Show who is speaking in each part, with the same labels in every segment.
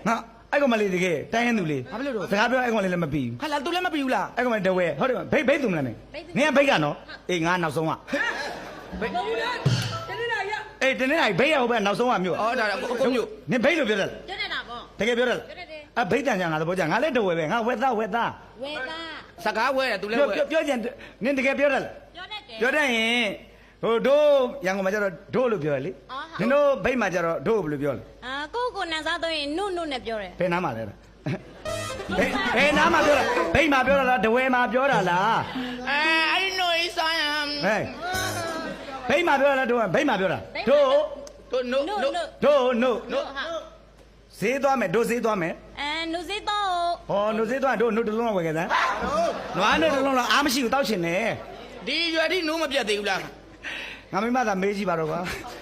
Speaker 1: ငါအဲ့ကောင်မလေးတကယ်တိုင်းရင်သူလေး
Speaker 2: ဘာဖြစ်လို့
Speaker 1: စကားပြောအဲ့ကောင်လေးလည်းမပြီးဘူး
Speaker 2: ဟာလာသူလည်းမပြီးဘူးလား
Speaker 1: အဲ့ကောင်မလေးတဝဲဟုတ်တယ်ဘိတ်သူမလားမင်းနင်ကဘိတ်ကနော်အေးငါနောက်ဆုံးက
Speaker 2: ဘယ်
Speaker 1: အေးတနေ့တိုင်းဘိတ်ရဟုတ်ပဲနောက်ဆုံးကမြို့
Speaker 2: အော်ဒါကိုမျိုး
Speaker 1: နင်ဘိတ်လို့ပြောတယ်
Speaker 3: ပြောနေတာပေါ့
Speaker 1: တကယ်ပြောတယ်အဘိတ်တန်ကြငါသဘောကြငါလည်းတဝဲပဲငါဝက်သား
Speaker 3: ဝဲသား
Speaker 2: စကားဝဲတယ်သူလည်းဝဲ
Speaker 1: ပြောကြနင်တကယ်ပြောတယ်
Speaker 3: ပြောတတ်တယ်
Speaker 1: ပြောတတ်ရင်ဟိုတို့ရန်ကုန်မှာကျတော့တို့လို့ပြောရလေနင်တို့ဘိတ်မှာကျတော့တို့ဘယ်လိုပြောလဲ
Speaker 3: အာကိုနန်းစားတော့ရင်နုနဲ့ပြောတယ်
Speaker 1: ဘယ်နားမှာလဲဘယ်နားမှာပြောတာဘိတ်မှာပြောတာလားတဝဲမှာပြောတာလား
Speaker 2: အဲ့ဒီနိုးဆိုင်ဟမ်
Speaker 1: ဟဲ့ဘိတ်မှာပြောတာလားတို့ဘိတ်မှာပြောတာတို့
Speaker 2: တို့နို့နို့
Speaker 1: တို့ဈေးသွားမယ်တို့ဈေးသွားမယ်
Speaker 3: နုစိတော့
Speaker 1: ဟောတို့ဈေးသွားတို့နှုတ်တစ်လုံးလောက်ဝယ်ခဲ့စမ်းနွားနဲ့တစ်လုံးလောက်အားမရှိဘူးတောက်ချင်တယ်
Speaker 2: ဒီရွယ်ဒီနိုးမပြတ်သေးဘူးလား
Speaker 1: ငါမိမသာမေးကြည့်ပါတော့ကွာ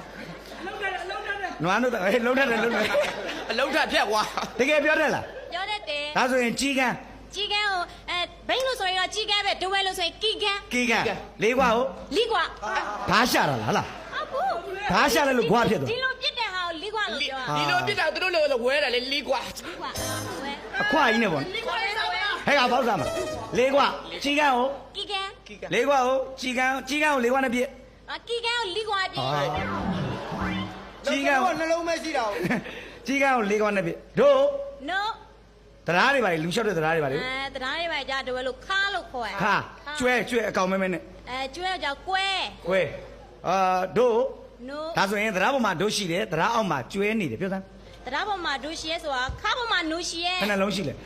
Speaker 1: နွားတို့ဟဲ့လုံးထက်တယ်လုံးထက်
Speaker 2: အလုံးထဖြတ်ကွာ
Speaker 1: တကယ်ပြောတယ်လား
Speaker 3: ပြောတတ်တယ်
Speaker 1: ဒါဆိုရင်ကြီးကန်း
Speaker 3: ကြီးကန်းကိုဘိန်းလို့ဆိုရင်တော့ကြီးကန်းပဲဒဝဲလို့ဆိုရင်ကီကန်း
Speaker 1: ကြီးကန်းလေးကွာဟုတ်
Speaker 3: လီကွာ
Speaker 1: ဓားရှာတာလားဟလား
Speaker 3: အခု
Speaker 1: ဓားရှာလိုက်လို့ဘွားဖြစ်သွား
Speaker 3: ဒီလိုပြစ်တဲ့ဟာကိုလီကွာလို့ပြောတာ
Speaker 2: ဒီလိုပြစ်တာသူတို့လိုဝဲတယ်လေလီကွာ
Speaker 3: လီကွာဝဲ
Speaker 1: အခွာကြီးနဲ့ပေါ့
Speaker 3: လီကွာလေးဆိုပဲ
Speaker 1: ဟဲ့ကပေါက်စားမှာလေးကွာကြီးကန်းကို
Speaker 3: ကီကန်း
Speaker 1: လေးကွာကိုကြီးကန်းကိုလေးကွာနဲ့ပြည့်
Speaker 3: ကီကန်းကိုလီကွာပြစ်
Speaker 1: ကြီးကန်းကို
Speaker 2: နှလုံးမရှိတာ
Speaker 1: ကြီးကန်းကိုလေးကွာနဲ့ပြည့်တို့
Speaker 3: နို့
Speaker 1: တရားတွေပါလေလူလျှောက်တဲ့တရားတွေပါလေ
Speaker 3: တရားရေးပါကြဒဝဲလို့ခါလို့ခေါ်ရ
Speaker 1: ခါကျွဲအကောင်မဲမဲနဲ့
Speaker 3: ကျွဲကြောင့်ကွဲ
Speaker 1: ခွဲတို့
Speaker 3: နို့
Speaker 1: ဒါဆိုရင်တရားပေါ်မှာတို့ရှိတယ်တရားအောက်မှာကျွဲနေတယ်ပြောစမ်း
Speaker 3: တရားပေါ်မှာဒူရှိရဲဆိုတာခါပေါ်မှာနူရှိရဲ
Speaker 1: ဘယ်နှလုံးရှိလဲ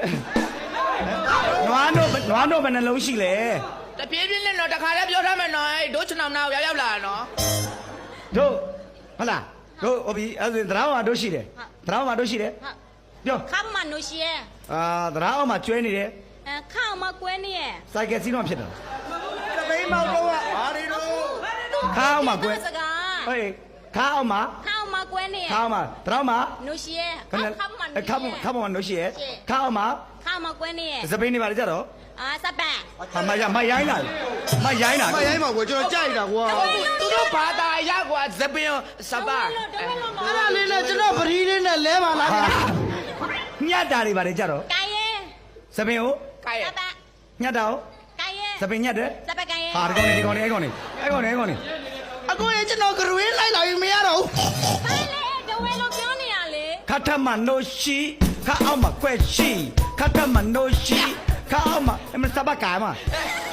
Speaker 1: နွားတို့ဘယ်နှလုံးရှိလဲ
Speaker 2: တပြေးပြင်းနဲ့တော့တခါလည်းပြောထားမယ်နော်ဒိုးချင်အောင်နောက်ရောက်လာနော်
Speaker 1: တို့ဟုတ်လားတို့ဟိုပြီအဲ့ဒါတရားပေါ်မှာတို့ရှိတယ်တရားပေါ်မှာတို့ရှိတယ်ပြော
Speaker 3: ခါပေါ်မှာနူရှိရဲ
Speaker 1: တရားအောက်မှာကျွဲနေတယ်
Speaker 3: ခါအောင်မှာကွဲနေရဲ
Speaker 1: စိုက်ကယ်စီးတော့ဖြစ်တာ
Speaker 2: တပိမောက်တော့ဟာဒီတို့
Speaker 1: ခါအောင်မှာကွဲ
Speaker 3: စကား
Speaker 1: ဟေးခါအောင်မှာ
Speaker 3: ခါအောင်မှာကွဲနေရဲ
Speaker 1: ခါအောင်မှာတရားမှာ
Speaker 3: နူရှိရဲ
Speaker 1: ခဏ
Speaker 3: ခါပေါ်မှာနူရှိရဲ
Speaker 1: ခါပေါ်မှာတို့ရှိရဲ့ခါအောင်မှာ
Speaker 3: ခါမှာကွဲနေရဲ
Speaker 1: စပိန်နေပါလေကြတော့
Speaker 3: စပန်
Speaker 1: မရိုင်းလာမရိုင်းလာ
Speaker 4: မရိုင်းပါကွာကျွန်တော်ကြိုက်တာကွာ
Speaker 2: သူတို့ဘာသာရကွာဇပင်စပါ
Speaker 3: ဒဝဲလို့မ
Speaker 4: အဲ့ဒါလေးနဲ့ကျွန်တော်ပရီးလေးနဲ့လဲပါလား
Speaker 1: ညတ်တာတွေပါလေကြတော့
Speaker 3: ကိုင်ရဲ
Speaker 1: စပင်ကို
Speaker 2: ကဲ
Speaker 3: စပန်
Speaker 1: ညတ်တာကို
Speaker 3: ကိုင်ရဲ
Speaker 1: စပင်ညတ်တယ်
Speaker 3: စပန်ကိုင်ရဲ
Speaker 1: ဟာဒီကောင်နေအဲ့ကောင်နေ
Speaker 4: အခုရင်ကျွန်တော်ကရွေးလိုက်လာရင်မရတော့ဘူး
Speaker 3: ဟဲ့လေဒဝဲလို့ပြောနေရလေ
Speaker 1: ခတ်ထမနိုရှိခါအောင်မှာကွက်ရှိခတ်ထမနိုရှိခါအောင်မှာအမစပါကာမ